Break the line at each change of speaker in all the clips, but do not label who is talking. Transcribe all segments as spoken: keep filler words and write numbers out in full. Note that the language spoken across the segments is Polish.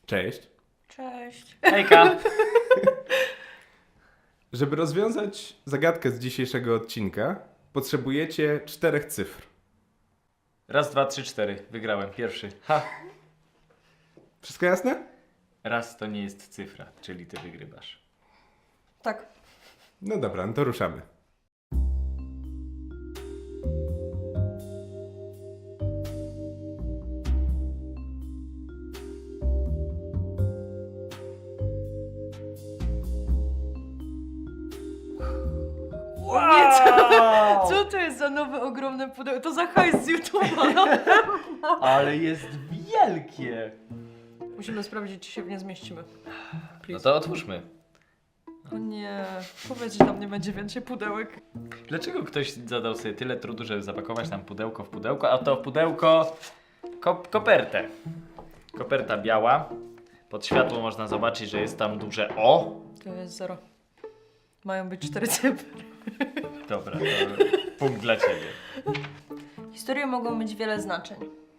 Cześć.
Cześć.
Hejka.
Żeby rozwiązać zagadkę z dzisiejszego odcinka, potrzebujecie czterech cyfr.
Raz, dwa, trzy, cztery. Wygrałem. Pierwszy. Ha.
Wszystko jasne?
Raz to nie jest cyfra, czyli ty wygrywasz.
Tak.
No dobra, no to ruszamy.
Nie, co, co to jest za nowe ogromne pudełko? To za hajs z YouTube'a. No.
Ale jest wielkie.
Musimy sprawdzić, czy się w nie zmieścimy.
No
Please.
to otwórzmy.
O nie, powiedz, że tam nie będzie więcej pudełek.
Dlaczego ktoś zadał sobie tyle trudu, żeby zapakować nam pudełko w pudełko, a to w pudełko kop kopertę. Koperta biała. Pod światło można zobaczyć, że jest tam duże O.
To jest zero. Mają być cztery cyfry.
Dobra, to punkt dla ciebie.
Historie mogą mieć wiele znaczeń.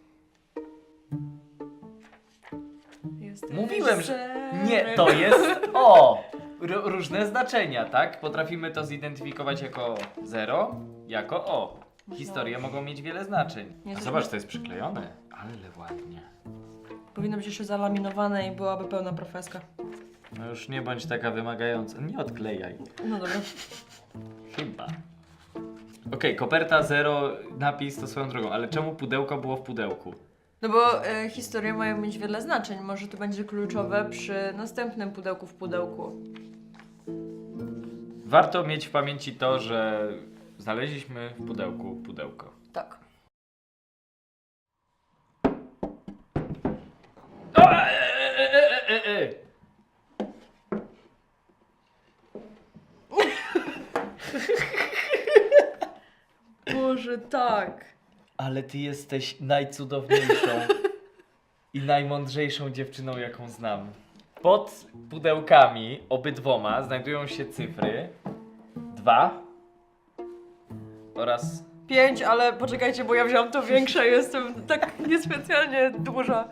Jesteś
Mówiłem, że
zerem.
nie, to jest O. R różne znaczenia, tak? Potrafimy to zidentyfikować jako zero, jako O. Historie mogą mieć wiele znaczeń.
Nie
A
zrobię-
zobacz, to jest przyklejone. Ale ładnie.
Powinno być jeszcze zalaminowane i byłaby pełna profeska.
No już nie bądź taka wymagająca. Nie odklejaj.
No dobra.
Chyba. Okej, koperta zero, napis to swoją drogą, ale czemu pudełko było w pudełku?
No bo e, historie mają mieć wiele znaczeń. Może to będzie kluczowe przy następnym pudełku w pudełku.
Warto mieć w pamięci to, że znaleźliśmy w pudełku pudełko.
Tak.
O, e, e, e, e, e, e.
Boże, tak.
Ale ty jesteś najcudowniejszą i najmądrzejszą dziewczyną, jaką znam. Pod pudełkami, obydwoma, znajdują się cyfry dwa oraz...
Pięć, ale poczekajcie, bo ja wziąłam to większe, jestem tak niespecjalnie duża.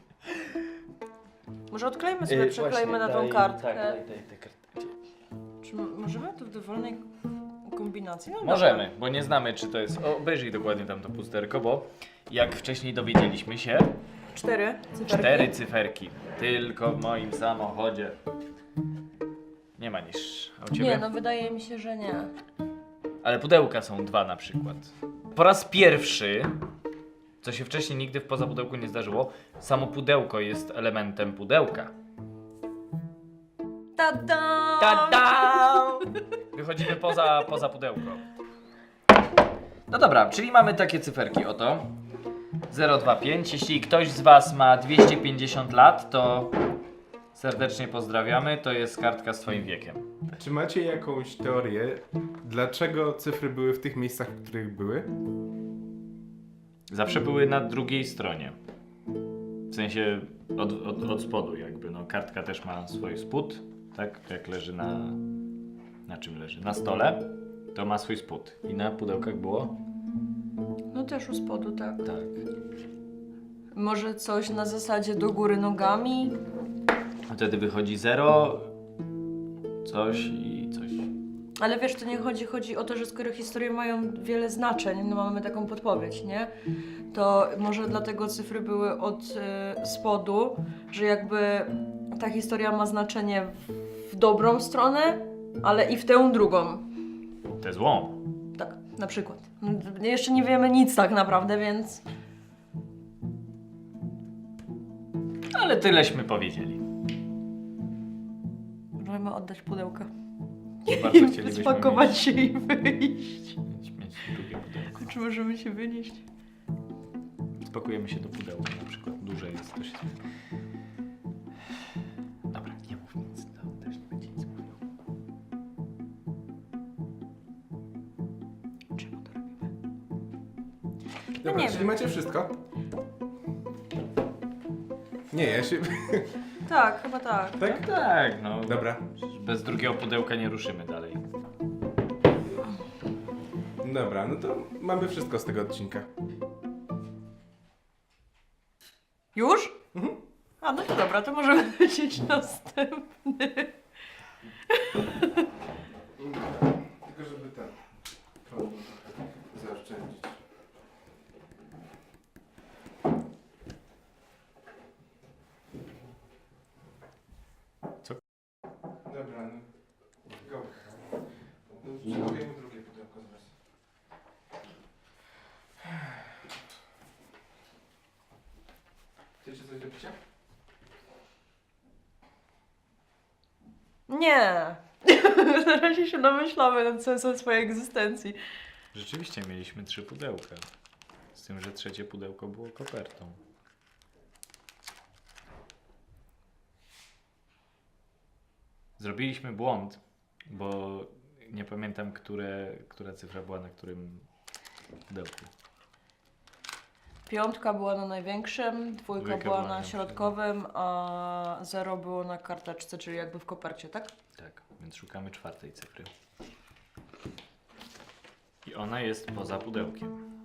Może odklejmy sobie,
Yy,
przeklejmy na
właśnie,
tą
daj-
kartkę.
Tak, daj, daj tę kartkę.
Czy m- możemy to w dowolnej kombinacji? No
Możemy, bo nie znamy, czy to jest... O, obejrzyj dokładnie tam to pusterko, bo jak wcześniej dowiedzieliśmy się,
Dobra. Cztery cyferki.
cztery cyferki. Tylko w moim samochodzie. Nie ma niż. A u ciebie?
Nie, no wydaje mi się, że nie.
Ale pudełka są dwa na przykład. Po raz pierwszy, co się wcześniej nigdy w poza pudełku nie zdarzyło, samo pudełko jest elementem pudełka.
Ta-da!
Ta-da! Wychodzimy poza, poza pudełko. No dobra, czyli mamy takie cyferki, oto. zero dwa pięć. Jeśli ktoś z was ma dwieście pięćdziesiąt lat, to serdecznie pozdrawiamy. To jest kartka z twoim wiekiem.
Czy macie jakąś teorię, dlaczego cyfry były w tych miejscach, w których były?
Zawsze były na drugiej stronie. W sensie od, od, od spodu jakby. No, kartka też ma swój spód, tak? Jak leży na... Na czym leży? Na stole. To ma swój spód. I na pudełkach było?
No też u spodu, tak.
Tak.
Może coś na zasadzie do góry nogami?
Wtedy wychodzi zero, coś i coś.
Ale wiesz, to nie chodzi, chodzi o to, że skoro historie mają wiele znaczeń, no mamy taką podpowiedź, nie? To może dlatego cyfry były od y, spodu, że jakby ta historia ma znaczenie w, w dobrą stronę, ale i w tę drugą.
Te złą.
Tak, na przykład. No, jeszcze nie wiemy nic tak naprawdę, więc...
Ale tyleśmy powiedzieli.
Możemy oddać pudełka.
Bardzo
I
chcielibyśmy
spakować
mieć,
się i wyjść.
mieć, mieć drugie pudełko.
Czy możemy się wynieść?
Spakujemy się do pudełka na przykład. Duże jest, to się... Dobra, nie mów nic. No, też nie będzie nic mówił.
Czemu to robimy?
Dobra,
nie
czyli
wiem.
macie wszystko? Nie, ja się...
Tak, chyba tak.
tak?
Tak, no.
Dobra.
Bez drugiego pudełka nie ruszymy dalej.
Dobra, no to mamy wszystko z tego odcinka.
Już?
Mhm.
A, no to dobra, to możemy lecieć następny.
Tylko żeby ten prąd zaoszczędzić.
Co?
Dobra, no. Go. No, przygotujemy drugie pudełko zaraz. Chcecie coś do picia?
Nie. Na razie się namyślamy nad sensem swojej egzystencji.
Rzeczywiście mieliśmy trzy pudełka. Z tym, że trzecie pudełko było kopertą. Zrobiliśmy błąd, bo nie pamiętam, które, która cyfra była na którym pudełku.
Piątka była na największym, dwójka
Dwójka
była
była
na
na
środkowym, a zero było na karteczce, czyli jakby w kopercie, tak?
Tak, więc szukamy czwartej cyfry. I ona jest poza pudełkiem.